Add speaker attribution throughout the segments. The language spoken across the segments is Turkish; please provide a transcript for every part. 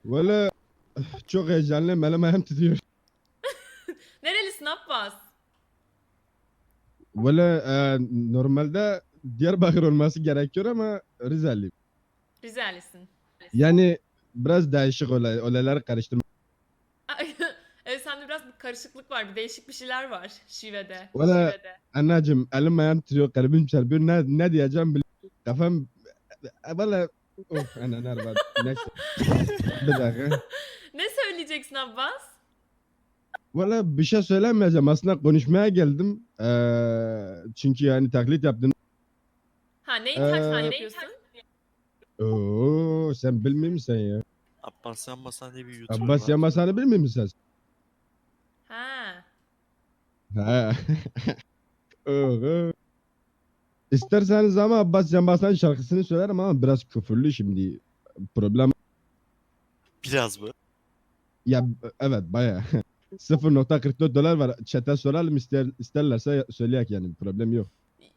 Speaker 1: Valla çok heyecanlıyım. Elim ayağım titriyor.
Speaker 2: Nerelisin Abbas?
Speaker 1: Valla normalde Diyarbakır olması gerekiyor ama Rizeliyim.
Speaker 2: Rizelisin.
Speaker 1: Yani biraz değişik olaylar karıştırma.
Speaker 2: Evet, sende biraz bir karışıklık var. Bir değişik bir şeyler var şivede.
Speaker 1: Valla anneciğim elim ayağım titriyor. Kalbim çarpıyor. Ne diyeceğim bilmiyorum. Kafam valla of ana nerede neyse. Bir dakika.
Speaker 2: Ne söyleyeceksin Abbas?
Speaker 1: Valla bir şey söylemeyeceğim. Aslında konuşmaya geldim. Çünkü yani taklit yaptın.
Speaker 2: Ha, neyin taklidini
Speaker 1: Eee
Speaker 2: yapıyorsun?
Speaker 1: Oo, sen bilmiyor musun ya?
Speaker 3: Abbas Yanbasan diye bir YouTuber
Speaker 1: Abbas
Speaker 3: var.
Speaker 1: Yamasan'ı bilmiyor musun
Speaker 2: Ha.
Speaker 1: sen? Ha. Oo. İsterseniz ama Abbas Yamasan şarkısını söylerim ama biraz küfürlü şimdi. Problem
Speaker 3: Biraz mı?
Speaker 1: ya evet baya. 0.44 dolar var. Chat'e soralım isterlerse söyleyek yani problem yok.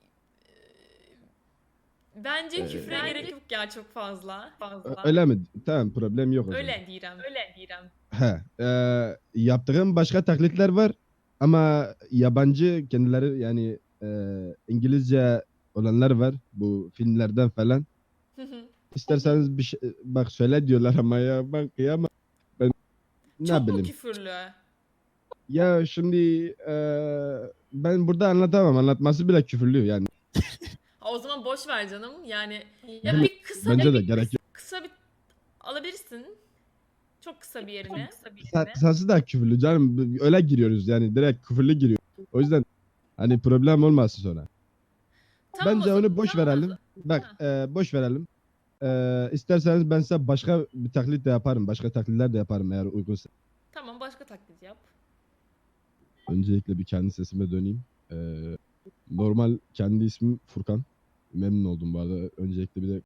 Speaker 2: Bence küfre
Speaker 1: Ee,
Speaker 2: gerek yok ya çok fazla.
Speaker 1: Öyle mi? Tamam problem yok o zaman.
Speaker 2: Öyle direm.
Speaker 1: He, yaptığım başka taklitler var ama yabancı kendileri yani İngilizce olanlar var bu filmlerden falan. İsterseniz bir şey, bak söyle diyorlar ama ya ben kıyamam. Ben ne
Speaker 2: Çok mu
Speaker 1: bileyim.
Speaker 2: küfürlü?
Speaker 1: Ya şimdi ben burada anlatamam. Anlatması bile küfürlü yani.
Speaker 2: Ha, o zaman boş ver canım. Yani ya
Speaker 1: Değil mi?
Speaker 2: bir
Speaker 1: Bence de gerek yok.
Speaker 2: kısa bir alabilirsin. Çok kısa bir yerini.
Speaker 1: Kısası da küfürlü canım. Öyle giriyoruz yani direkt küfürlü giriyor. O yüzden hani problem olmasın sonra.
Speaker 2: Tamam o
Speaker 1: Bence
Speaker 2: zaman.
Speaker 1: onu boş verelim. Bak boş verelim. İsterseniz ben size başka bir taklit de yaparım. Başka taklitler de yaparım eğer uygunsa.
Speaker 2: Tamam, başka taklit yap.
Speaker 1: Öncelikle bir kendi sesime döneyim. Normal kendi ismim Furkan. Memnun oldum bu arada. Öncelikle bir de